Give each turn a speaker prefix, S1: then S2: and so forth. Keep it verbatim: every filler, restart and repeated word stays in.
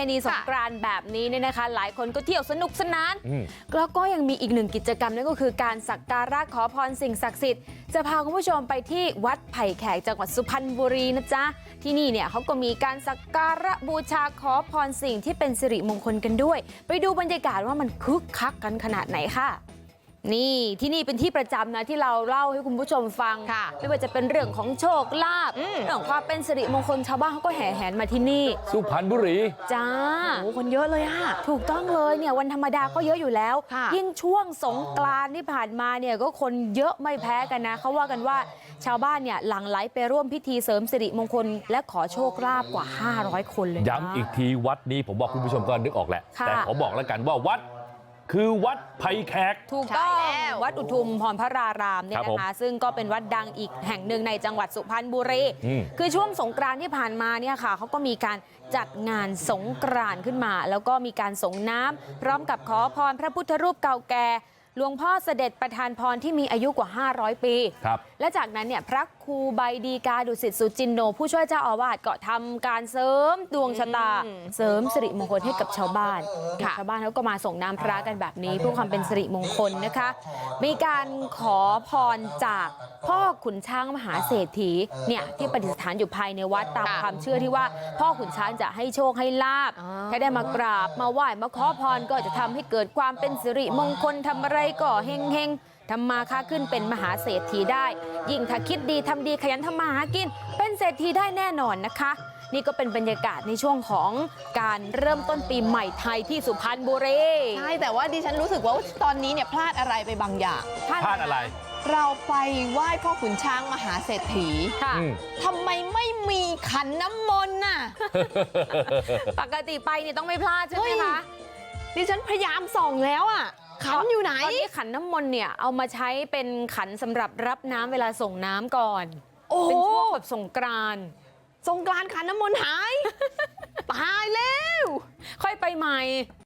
S1: ณีสงกรานต์แบบนี้เนี่ยนะคะหลายคนก็เที่ยวสนุกสนานแล้วก็ยังมีอีกหนึ่งกิจกรรมนั่นก็คือการสักการะขอพรสิ่งศักดิ์สิทธิ์จะพาคุณผู้ชมไปที่วัดไผ่แขกจังหวัดสุพรรณบุรีนะจ๊ะที่นี่เนี่ยเขาก็มีการสักการะบูชาขอพรสิ่งที่เป็นสิริมงคลกันด้วยไปดูบรรยากาศว่ามันคึกคักกันขนาดไหนค่ะนี่ที่นี่เป็นที่ประจำนะที่เราเล่าให้คุณผู้ชมฟังไม่ว่าจะเป็นเรื่องของโชคลาภเรื่องของความเป็นสิริมงคลชาวบ้านเขาก็แห่แหนมาที่นี่
S2: สุพรรณบุรี
S1: จ้า
S3: โอ้คนเยอะเลยอะ
S1: ถูกต้องเลยเนี่ยวันธรรมดาก็เยอะอยู่แล้วยิ่งช่วงสงกรานต์ที่ผ่านมาเนี่ยก็คนเยอะไม่แพ้กันนะเขาว่ากันว่าชาวบ้านเนี่ยหลั่งไหลไปร่วมพิธีเสริมสิริมงคลและขอโชคลาภกว่าห้าร้อยคนเลย
S2: ย้ำอีกทีวัดนี้ผมบอกคุณผู้ชมก็นึกออกแหละแต่ขอบอกแล้วกันว่าวัดคือวัดไผ่แขก
S1: ถูกต้องวัดอุทุมพรพระรารามเนี่ยนะคะซึ่งก็เป็นวัดดังอีกแห่งหนึ่งในจังหวัดสุพรรณบุรีคือช่วงสงกรานต์ที่ผ่านมาเนี่ยค่ะเขาก็มีการจัดงานสงกรานต์ขึ้นมาแล้วก็มีการส่งน้ำพร้อมกับขอพรพระพุทธรูปเก่าแก่หลวงพ่อเสด็จประทานพรที่มีอายุกว่าห้าร้อยปีและจากนั้นเนี่ยพระครูใบดีกาดุสิตสุจินโนผู้ช่วยเจ้าอาวาสก็ทำการเสริมดวงชะตาเสริมสิริมงคลให้กับชาวบ้านชาวบ้านเขาก็มาส่งน้ำพระกันแบบนี้เพื่อความเป็นสิริมงคลนะคะมีการขอพรจากพ่อขุนช้างมหาเศรษฐีเนี่ยที่ประดิษฐานอยู่ภายในวัดตามความเชื่อที่ว่าพ่อขุนช้างจะให้โชคให้ลาภถ้าได้มากราบมาไหว้มาขอพรก็จะทำให้เกิดความเป็นสิริมงคลทำอะไรก็เฮงเฮงทำมาค้าขึ้นเป็นมหาเศรษฐีได้ยิ่งถ้าคิดดีทำดีขยันทำมาหากินเป็นเศรษฐีได้แน่นอนนะคะนี่ก็เป็นบรรยากาศในช่วงของการเริ่มต้นปีใหม่ไทยที่สุพรรณบุรี
S3: ใช่แต่ว่าดิฉันรู้สึกว่าตอนนี้เนี่ยพลาดอะไรไปบางอย่าง
S2: พลาดอะไร
S3: เราไปไหว้พ่อขุนช้างมหาเศรษฐี
S1: ค่ะ
S3: ทำไมไม่มีขันน้ำมนต์น่ะ
S1: ปกติไปเนี่ยต้องไม่พลาดใช่ไหมคะ
S3: ดิฉันพยายามส่องแล้วอ่ะขันอยู่ไหน
S1: ตอนนี้ขันน้ำมนต์เนี่ยเอามาใช้เป็นขันสำหรับรับน้ำเวลาส่งน้ำก่อนเป็นช่วงแบบสงกรานต์
S3: สงกรานต์ขันน้ำมนต์หาย ตายแล้ว
S1: ค่อยไปใหม่